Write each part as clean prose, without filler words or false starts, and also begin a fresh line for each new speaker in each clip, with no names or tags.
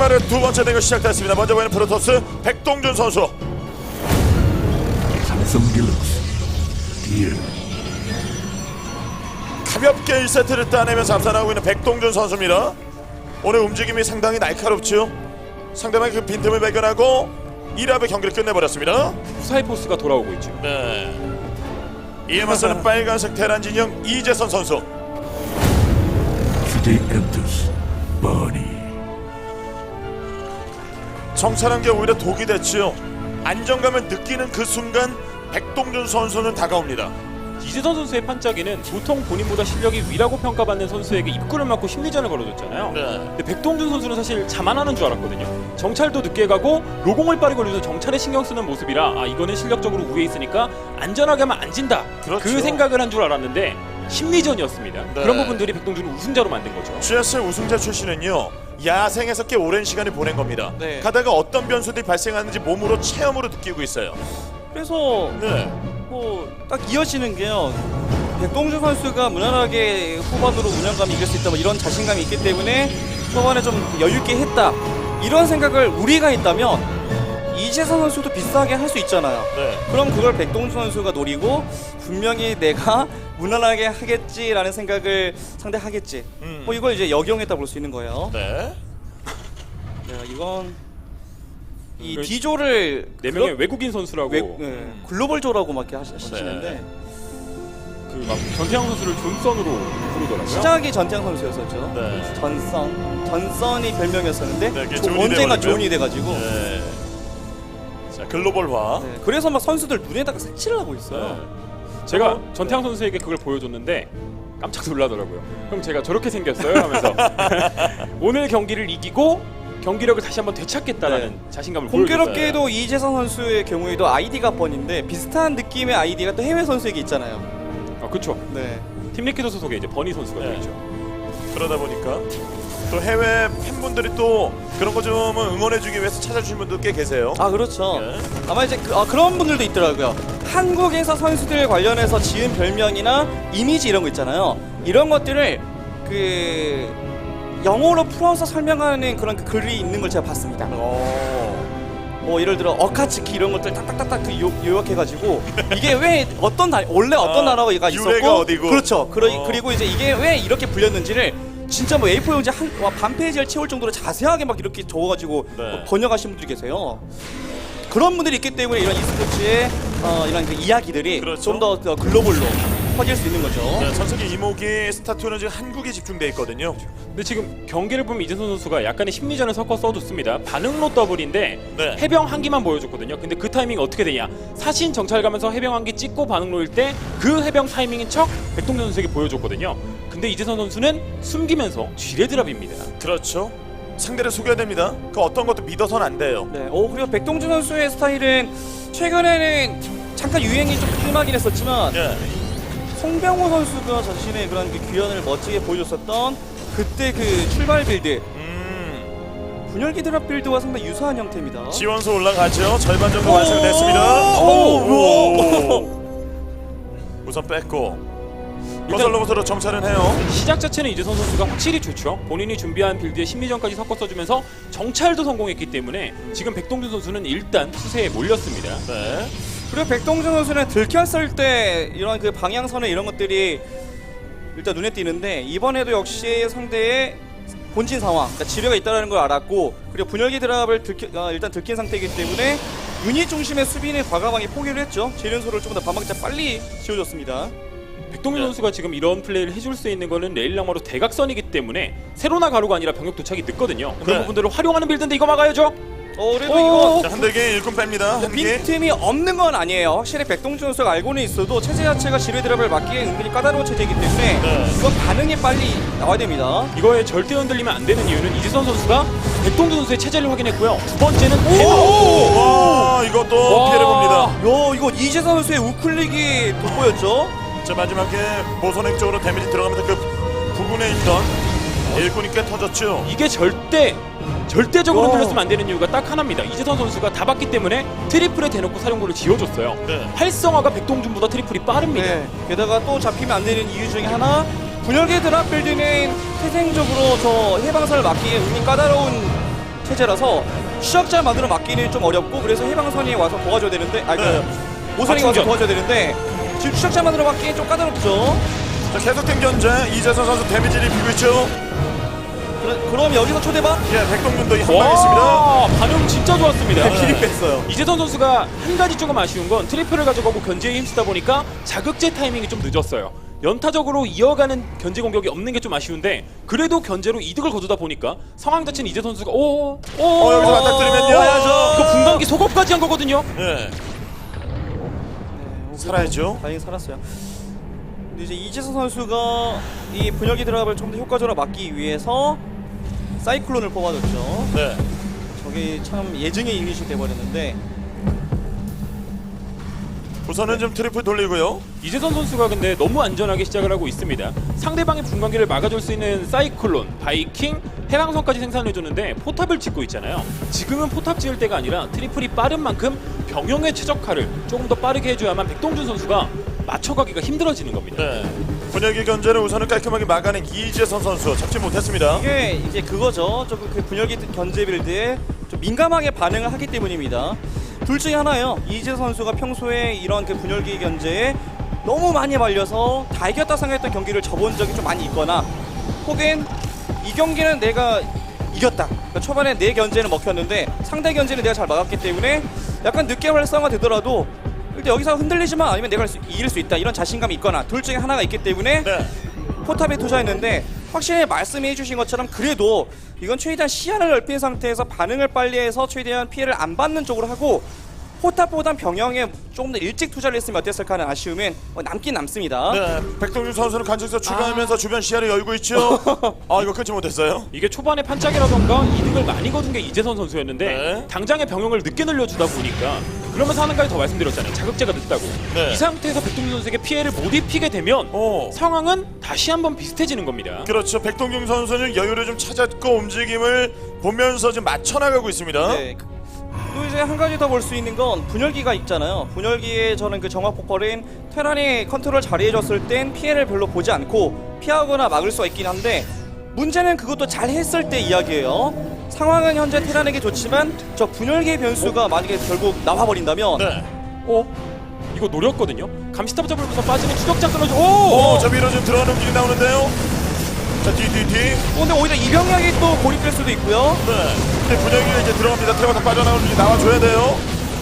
주말의 두 번째 대결 시작됐습니다. 먼저 보이는 프로토스 백동준 선수.
삼성 갤럭시 디엘
가볍게 1세트를 따내면서 앞서나가고 있는 백동준 선수입니다. 오늘 움직임이 상당히 날카롭죠. 상대방의 그 빈틈을 발견하고 1합의 경기를 끝내버렸습니다.
후사이포스가 돌아오고 있죠.
네. 이에 맞서는 빨간색 테란 진영 이재선 선수.
CJ 엔터스 버니
정찰한 게 오히려 독이 됐지요. 안정감을 느끼는 그 순간 백동준 선수는 다가옵니다.
이재선 선수의 판짜기는 보통 본인보다 실력이 위라고 평가받는 선수에게 입구를 막고 심리전을 걸어줬잖아요.
네.
근데 백동준 선수는 사실 자만하는 줄 알았거든요. 정찰도 늦게 가고 로공을 빠르게 올려서 정찰에 신경 쓰는 모습이라 이거는 실력적으로 우위에 있으니까 안전하게 하면 안 진다.
그렇죠.
그 생각을 한 줄 알았는데 심리전이었습니다.
네.
그런 부분들이 백동준을 우승자로 만든 거죠.
GS 우승자 출신은요, 야생에서 꽤 오랜 시간을 보낸 겁니다.
네.
가다가 어떤 변수들이 발생하는지 몸으로 체험으로 느끼고 있어요.
그래서
네.
뭐 딱 이어지는 게요. 백동준 선수가 무난하게 후반으로 운영감이 이길 수 있다 뭐 이런 자신감이 있기 때문에 초반에 좀 여유 있게 했다 이런 생각을 우리가 있다면 이재선 선수도 비슷하게 할 수 있잖아요.
네.
그럼 그걸 백동준 선수가 노리고 분명히 내가 무난하게 하겠지라는 생각을 상대하겠지. 뭐 이걸 이제 역용했다 볼 수 있는 거예요.
네.
네, 이건 이
그
D조를
네 명의 외국인 선수라고
글로벌조라고 막 이렇게 하시는데
네.
그 막 전태양 선수를 존선으로 부르더라고요.
시작이 전태양 선수였었죠.
네.
전선이 별명이었었는데
네, 그게 존이
언젠가
돼버렸고요.
존이 돼가지고
네. 자, 글로벌화.
네, 그래서 막 선수들 눈에다가 색칠을 하고 있어요.
네.
제가 전태양 선수에게 그걸 보여줬는데 깜짝 놀라더라고요. 그럼 제가 저렇게 생겼어요 하면서 오늘 경기를 이기고 경기력을 다시 한번 되찾겠다라는 자신감을 보여줬어요.
공교롭게도 이재선 선수의 경우에도 아이디가 번인데 비슷한 느낌의 아이디가 또 해외 선수에게 있잖아요.
그렇죠.
네.
팀 리퀴드 소속의 이제 버니 선수가
네.
되죠.
그러다 보니까 또 해외 팬분들이 또 그런 거 좀 응원해주기 위해서 찾아주신 분도 꽤 계세요.
아 그렇죠.
네.
아마 이제 그런 분들도 있더라고요. 한국에서 선수들 관련해서 지은 별명이나 이미지 이런 거 있잖아요. 이런 것들을 그 영어로 풀어서 설명하는 그런 그 글이 있는 걸 제가 봤습니다. 뭐 예를 들어 어카츠키 이런 것들 딱딱딱딱 요약해가지고 이게 왜 어떤 원래 어떤 나라가
유래가
있었고
어디고.
그렇죠. 그리고 이제 이게 왜 이렇게 불렸는지를 진짜 뭐 A4 용지 반 페이지를 채울 정도로 자세하게 막 이렇게 적어가지고
네.
번역하신 분들이 계세요. 그런 분들이 있기 때문에 이런 e스포츠의 이런 그 이야기들이
그렇죠.
좀 더 글로벌로 퍼질 수 있는 거죠.
네, 전 세계 이모기 스타투는 지금 한국에 집중돼 있거든요.
근데 지금 경기를 보면 이재선 선수가 약간의 심리전을 섞어 써줬습니다. 반응로 더블인데
네.
해병 한 기만 보여줬거든요. 근데 그 타이밍이 어떻게 되냐? 사신 정찰 가면서 해병 한 기 찍고 반응로일 때 그 해병 타이밍인 척 백동준 선수에게 보여줬거든요. 근데 이재선 선수는 숨기면서 쥐레드랍입니다.
그렇죠. 상대를 속여야 됩니다. 그 어떤 것도 믿어서는 안 돼요.
네. 그리고 백동준 선수의 스타일은 최근에는 잠깐 유행이 좀 심하긴 했었지만
예.
송병호 선수가 자신의 그런 그 귀환을 멋지게 보여줬었던 그때 그 출발 빌드 분열기 드랍 빌드와 상당히 유사한 형태입니다.
지원소 올라가죠. 절반 정도 완성됐습니다. 우선 뺐고 건설 로봇으로 정찰은 해요.
시작 자체는 이재선 선수가 확실히 좋죠. 본인이 준비한 빌드에 심리전까지 섞어 써주면서 정찰도 성공했기 때문에 지금 백동준 선수는 일단 수세에 몰렸습니다.
네.
그리고 백동준 선수는 들켰을 때 이런 그 방향선에 이런 것들이 일단 눈에 띄는데 이번에도 역시 상대의 본진 상황, 그러니까 지뢰가 있다는 걸 알았고 그리고 분열기 드랍을 일단 들킨 상태이기 때문에 유닛 중심의 수비는 과감하게 포기를 했죠. 재련소를 조금 더 반박자 빨리 지어줬습니다.
백동준
네.
선수가 지금 이런 플레이를 해줄 수 있는 거는 레일랑마로 대각선이기 때문에 세로나 가로가 아니라 병력 도착이 늦거든요. 그런
네.
부분들을 활용하는 빌드인데 이거 막아야죠.
그래도 이거
자, 한대기 일꾼 뺍니다. 한 개.
빈틈이 없는 건 아니에요. 확실히 백동준 선수가 알고는 있어도 체제 자체가 지뢰 드랍을 막기에 은근히 까다로운 체제이기 때문에
네.
이건 반응이 빨리 나와야 됩니다.
이거에 절대 흔들리면 안 되는 이유는 이재선 선수가 백동준 선수의 체제를 확인했고요. 두 번째는
와, 이것도
와.
피해를 봅니다.
야, 이거 이재선 선수의 우클릭이 돋보였죠?
자, 마지막에 모선액 쪽으로 데미지 들어가면서 그 부분에 있던 일꾼이 꽤 터졌죠.
이게 절대적으로 흔들렸으면 안 되는 이유가 딱 하나입니다. 이재선 선수가 다 봤기 때문에 트리플에 대놓고 사령부를 지어줬어요.
네.
활성화가 백동준보다 트리플이 빠릅니다.
네. 게다가 또 잡히면 안 되는 이유 중에 하나 분열계 드랍 빌드는 태생적으로 저 해방선을 막기에 은근히 까다로운 체제라서 추적자 만들어 막기는 좀 어렵고 그래서 해방선이 와서 도와줘야 되는데 오선이 와서
충전.
도와줘야 되는데 지금 추적자 만들어 막기는 좀 까다롭죠.
자, 계속된 견제. 이재선 선수 데미지를 입히고 있죠.
그럼 여기서 초대박?
예, 백동준도 한 방 있습니다.
와, 반응 진짜 좋았습니다.
길이 뺐어요.
이재선 선수가 한 가지 조금 아쉬운 건 트리플을 가져가고 견제에 힘쓰다 보니까 자극제 타이밍이 좀 늦었어요. 연타적으로 이어가는 견제 공격이 없는 게 좀 아쉬운데 그래도 견제로 이득을 거두다 보니까 상황 자체는 이재 선수가
여기서 맞닥뜨리면요.
이거 분광기 속업까지 한 거거든요.
예. 살아야죠.
다행히 살았어요. 근데 이제 이재선 선수가 이 분열기 드랍을 좀 더 효과적으로 막기 위해서 사이클론을 뽑아줬죠.
네.
저게 참 예증의 유닛이 돼버렸는데
우선은 좀 트리플 돌리고요.
이재선 선수가 근데 너무 안전하게 시작을 하고 있습니다. 상대방의 분광기를 막아줄 수 있는 사이클론, 바이킹, 해방선까지 생산해줬는데 포탑을 짓고 있잖아요. 지금은 포탑 지을 때가 아니라 트리플이 빠른 만큼 병영의 최적화를 조금 더 빠르게 해줘야만 백동준 선수가 맞춰가기가 힘들어지는 겁니다.
네. 분열기 견제를 우선은 깔끔하게 막아낸 이재선 선수 잡지 못했습니다.
이게 이제 그거죠. 조금 그 분열기 견제 빌드에 좀 민감하게 반응을 하기 때문입니다. 둘 중에 하나예요. 이재 선수가 평소에 이런 그 분열기 견제에 너무 많이 말려서 다 이겼다 생각했던 경기를 접은 적이 좀 많이 있거나 혹은 이 경기는 내가 이겼다. 그러니까 초반에 내 견제는 먹혔는데 상대 견제는 내가 잘 막았기 때문에 약간 늦게 활성화 되더라도 일단 여기서 흔들리지만 아니면 내가 이길 수 있다. 이런 자신감이 있거나 둘 중에 하나가 있기 때문에
네.
포탑에 투자했는데 확실히 말씀해 주신 것처럼 그래도 이건 최대한 시야를 넓힌 상태에서 반응을 빨리 해서 최대한 피해를 안 받는 쪽으로 하고 포탑보단 병영에 조금 더 일찍 투자를 했으면 어땠을까 하는 아쉬움은 남긴 남습니다.
네. 백동준 선수는 간척에서 추가하면서 주변 시야를 열고 있죠. 이거 끊지 못했어요.
이게 초반에 판짝이라던가 이득을 많이 거둔 게 이재선 선수였는데
네.
당장의 병영을 늦게 늘려주다 보니까 그러면서 하는 가지 더 말씀드렸잖아요. 자극제가 늦다고.
네.
이 상태에서 백동준 선수에게 피해를 못 입히게 되면 상황은 다시 한번 비슷해지는 겁니다.
그렇죠. 백동준 선수는 여유를 좀 찾았고 움직임을 보면서 지금 맞춰나가고 있습니다.
네. 또 이제 한 가지 더 볼 수 있는 건 분열기가 있잖아요. 분열기에 저는 그 정화 폭발인 테란이 컨트롤 잘해줬을 땐 피해를 별로 보지 않고 피하거나 막을 수가 있긴 한데 문제는 그것도 잘 했을 때 이야기예요. 상황은 현재 테란에게 좋지만 저 분열기의 변수가 만약에 결국 나와버린다면
네.
이거 노렸거든요. 감시탑 잡으면서 빠지는 추적자 끊어줘.
저 위로 좀 들어가는 움직임이 나오는데요. 자, 뒤.
근데 오히려 이병력이 또 고립될 수도 있고요.
네. 근데 분열기가 이제 들어갑니다. 트레버가 빠져나오는 움직임 나와줘야 돼요.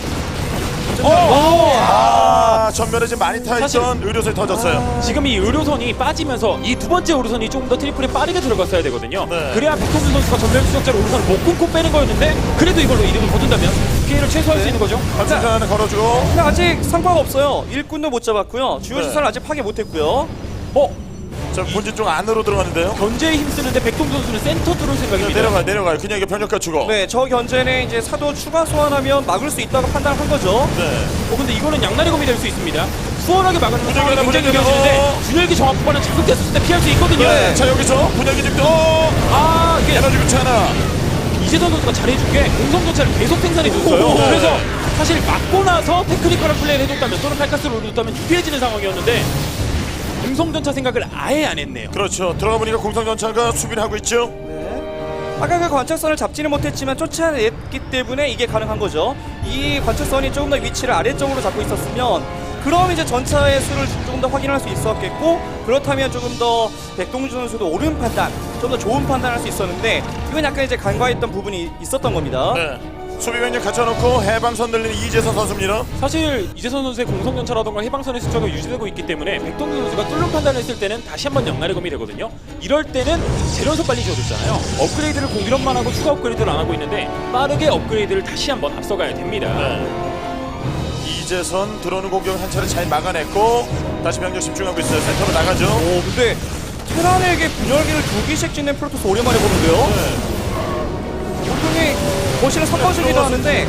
전면에 지금 많이 타있던 의료선이 터졌어요.
지금 이 의료선이 빠지면서 이 두 번째 의료선이 조금 더 트리플에 빠르게 들어갔어야 되거든요.
네.
그래야 백동준 선수가 전멸 추적자로 의료선을 못 끊고 빼는 거였는데 그래도 이걸로 이득을 거둔다면 피해를 최소화할 수 있는 거죠.
감시자 하나 걸어주고.
근데 아직 성과가 없어요. 일꾼도 못 잡았고요. 주요
네.
시설을 아직 파괴 못했고요.
자, 본진 쪽 안으로 들어가는데요.
견제에 힘쓰는데 백동준 선수는 센터 뚫을 생각입니다.
내려가요. 그냥 이게 병력 갖추고.
네, 저 견제는 이제 사도 추가 소환하면 막을 수 있다고 판단한 거죠.
네.
근데 이거는 양날의 검이 될 수 있습니다. 수월하게 막아내는
분열기
상황이
하나
굉장히
보내주고.
유리해지는데 분열기 정확 후반은 자극됐을 때 피할 수 있거든요.
네. 자, 여기서 분열기 지금
이게
에너지 교체 하나.
이재선 선수가 잘해준 게 공성전차를 계속 생산해줬어요.
오.
그래서 사실 막고 나서 테크니컬한 플레이를 해줬다면 또는 팔카스를 올려줬다면 유리해지는 상황이었는데 공성전차 생각을 아예 안 했네요.
그렇죠. 들어가 보니까 공성전차가 수비를 하고 있죠.
네. 아까 그 관측선을 잡지는 못했지만 쫓아냈기 때문에 이게 가능한 거죠. 이 관측선이 조금 더 위치를 아래쪽으로 잡고 있었으면 그럼 이제 전차의 수를 조금 더 확인할 수 있었겠고 그렇다면 조금 더 백동준 선수도 옳은 판단, 좀 더 좋은 판단을 할 수 있었는데 이건 약간 이제 간과했던 부분이 있었던 겁니다.
네. 수비 병력 갖춰놓고 해방선 늘리는 이재선 선수입니다.
사실 이재선 선수의 공성전차라던가 해방선의 숫자가 유지되고 있기 때문에 백동준 선수가 뚫는 판단을 했을 때는 다시 한번 양날의 검이 되거든요. 이럴 때는 재련소 빨리 지어줬잖아요. 업그레이드를 공일업만 하고 추가 업그레이드를 안 하고 있는데 빠르게 업그레이드를 다시 한번 앞서가야 됩니다.
네. 이재선 들어오는 공격 한 차례 잘 막아냈고 다시 병력 집중하고 있어요. 센터로 나가죠.
근데 테란에게 분열기를 2기씩 짓는 프로토스 오랜만에 보는데요.
네.
보통이 거실을 섞어주기도 하는데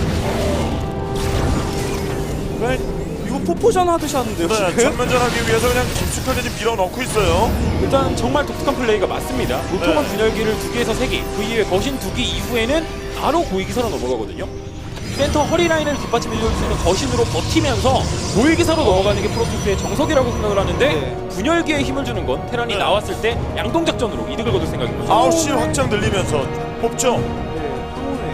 왜 이거 포포전 하듯이 하는데요.
네.
지금?
전면전하기 위해서 그냥 깊숙하게 지금 밀어넣고 있어요.
일단 정말 독특한 플레이가 맞습니다. 보통은
네.
분열기를 2개에서 3개, 그 이후에 거신 2개 이후에는 바로 고위기사로 넘어가거든요. 센터 허리라인을 뒷받침해줄 수 있는 거신으로 버티면서 고위기사로 넘어가는 게 프로토스의 정석이라고 생각을 하는데
네.
분열기에 힘을 주는 건 테란이
네.
나왔을 때 양동작전으로 이득을 거둘 생각인 거죠.
9시 확장 늘리면서 뽑죠.
네, 또 오네요.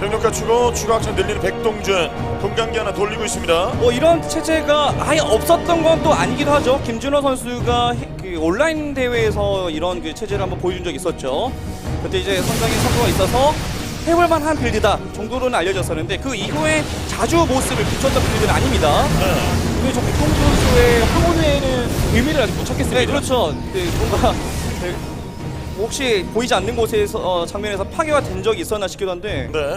병력 갖추고 추가 확장 늘리는 백동준 분광기 하나 돌리고 있습니다.
뭐 이런 체제가 아예 없었던 건 또 아니기도 하죠. 김준호 선수가 그 온라인 대회에서 이런 그 체제를 한번 보여준 적이 있었죠. 그때 이제 상당히 성과가 있어서 해볼만한 빌드다 정도로는 알려졌었는데 그 이후에 자주 모습을 비췄던 빌드는 아닙니다.
근데 저 백동준 선수의 황혼회에는 의미를 아직 못 찾겠습니다.
네, 그렇죠. 네, 뭔가 네, 혹시 보이지 않는 곳에서 장면에서 파괴가 된 적이 있었나 싶기도 한데.
네.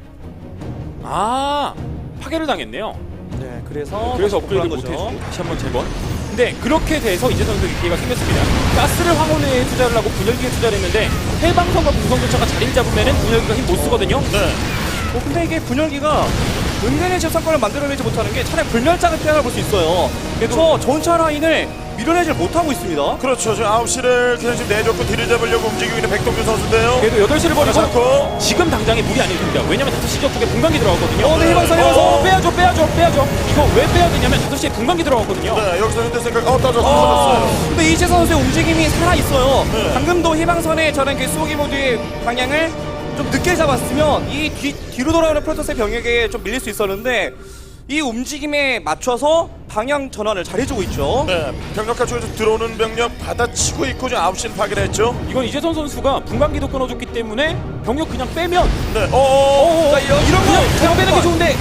아, 파괴를 당했네요.
네, 그래서
업그레이드 못해주고 다시 한번 재번. 근데 그렇게 돼서 이재 선수에게 기회가 생겼습니다. 가스를 황혼회에 투자를 하고 분열기에 투자를 했는데 해방선과 공성교차가 자리를 잡으면은 분열기가 힘 못 쓰거든요.
네.
근데 이게 분열기가 은근히 집상권을 만들어내지 못하는 게 차라리 불멸자가 피해갈 수 있어요. 그래서 전차 라인을 밀어내질 못하고 있습니다.
그렇죠. 지금 9시를 그냥 지금 내줬고 뒤를 잡으려고 움직이고 있는 백동준 선수인데요.
그래도 8시를 버리고
잡고.
지금 당장에 무리 아닙니다. 왜냐면 5시 쪽에 분광기 들어갔거든요.
네, 해방선, 해방선.
빼야죠. 이거 왜 빼야 되냐면 5시에 분광기 들어갔거든요.
네, 여기서 현대 생각 떨어졌어요.
근데 이재 선수의 움직임이 살아있어요.
네.
방금도 희망선에 저는 그 수호기 모드의 방향을 좀 늦게 잡았으면 이 뒤로 돌아오는 프로토스의 병력에 좀 밀릴 수 있었는데 이 움직임에 맞춰서 방향 전환을 잘해주고 있죠.
네, 병력 갖추고 들어오는 병력 받아치고 있고 지금 9시를 파괴를 했죠.
이건 이재선 선수가 분광기도 끊어줬기 때문에 병력 그냥 빼면
네,
자, 이런
그냥
거
빼는 게 좋은데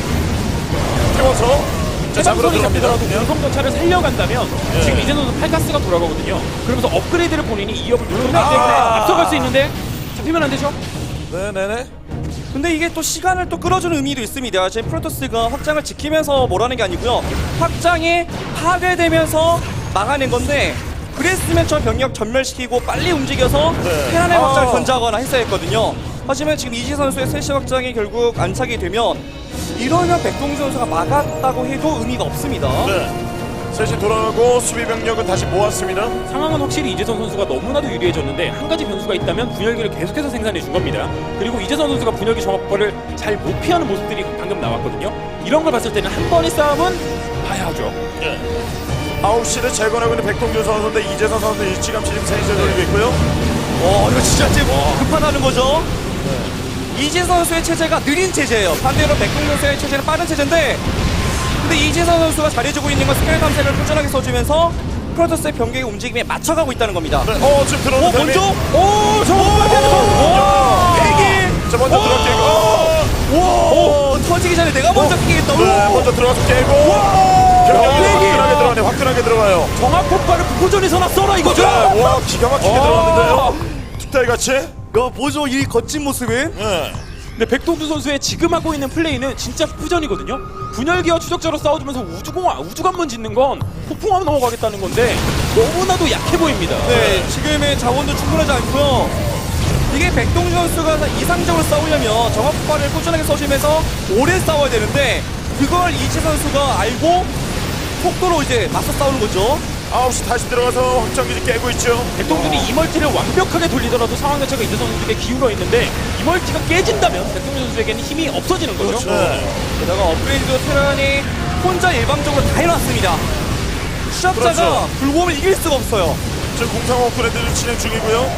태워서 자, 잡으러
해방선이
들어갑니다.
잡히더라도 공성전차를 살려간다면
네.
지금 이재선 선수 팔가스가 돌아가거든요. 그러면서 업그레이드를 본인이 2업을 누르기 때문에
아.
앞서갈 수 있는데 잡히면 안 되죠?
네네네.
근데 이게 또 시간을 또 끌어주는 의미도 있습니다. 지금 프로토스가 확장을 지키면서 뭐라는 게 아니고요. 확장이 파괴되면서 막아낸 건데 그랬으면 저 병력 전멸시키고 빨리 움직여서
네.
테란의
아.
확장을 견제하거나 했어야 했거든요. 하지만 지금 이지 선수의 셋시 확장이 결국 안착이 되면 이러면 백동준 선수가 막았다고 해도 의미가 없습니다.
네. 셋이 돌아가고 수비 병력은 다시 모았습니다.
상황은 확실히 이재선 선수가 너무나도 유리해졌는데 한 가지 변수가 있다면 분열기를 계속해서 생산해 준 겁니다. 그리고 이재선 선수가 분열기 정확발을 잘 못 피하는 모습들이 방금 나왔거든요. 이런 걸 봤을 때는 한 번의 싸움은 봐야죠.
네. 9시를 재건하고 있는 백동준 선수인데 이재선 선수 일찌감치 지금 세이즈를 돌리고 있고요.
이거 진짜 지금 급하다는 거죠. 이지 선수의 체제가 느린 체제예요. 반대로 백동준 선수의 체제는 빠른 체제인데 근데 이지선 선수가 잘해주고 있는 건 스킬 탐색을 꾸준하게 써주면서 프로토스의 병력의 움직임에 맞춰가고 있다는 겁니다.
네. 지금 들어오는 타이밍.
먼저
자, 먼저 들어 깨고.
터지기 전에 내가 먼저 끼겠다.
네, 먼저 들어가서 깨고. 병력이 화끈하게 들어가요.
정확 폭발을 부포전에서나 써라 이거죠.
네, 와, 기가 막히게 들어갔는데요. 툭타이 같이.
보죠 이 거친 모습은.
네.
근데 백동준 선수의 지금 하고 있는 플레이는 진짜 후전이거든요. 분열기와 추적자로 싸워주면서 우주관문 짓는 건 폭풍하면 넘어가겠다는 건데 너무나도 약해 보입니다.
네, 지금의 자원도 충분하지 않고요. 이게 백동준 선수가 이상적으로 싸우려면 정확 폭발을 꾸준하게 써주면서 오래 싸워야 되는데 그걸 이지 선수가 알고 속도로 이제 맞서 싸우는 거죠.
9시 다시 들어가서 확장기지 깨고 있죠.
백동준이 이 멀티를 완벽하게 돌리더라도 상황 자체가 이재 선수에게 기울어 있는데 이 멀티가 깨진다면 백동준 선수에게는 힘이 없어지는 거죠.
그렇죠. 네.
게다가 업그레이드 테란이 혼자 일방적으로 다 해놨습니다. 시합자가
그렇죠.
불곰을 이길 수가 없어요.
지금 공상호 업그레이드를 진행 중이고요.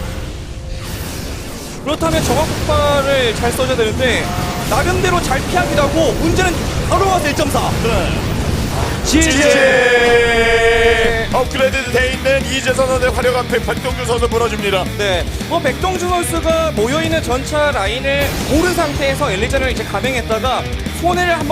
그렇다면 정확 폭발을 잘 써줘야 되는데 나름대로 잘 피하기도 하고 문제는 바로 와서 1.4.
네. 업그레이드 돼 있는 이재선 선수의 화력 앞에 백동준 선수 무너집니다.
네, 뭐 백동준 선수가 모여있는 전차 라인을 고른 상태에서 엘리전을 이제 감행했다가 손해를 한번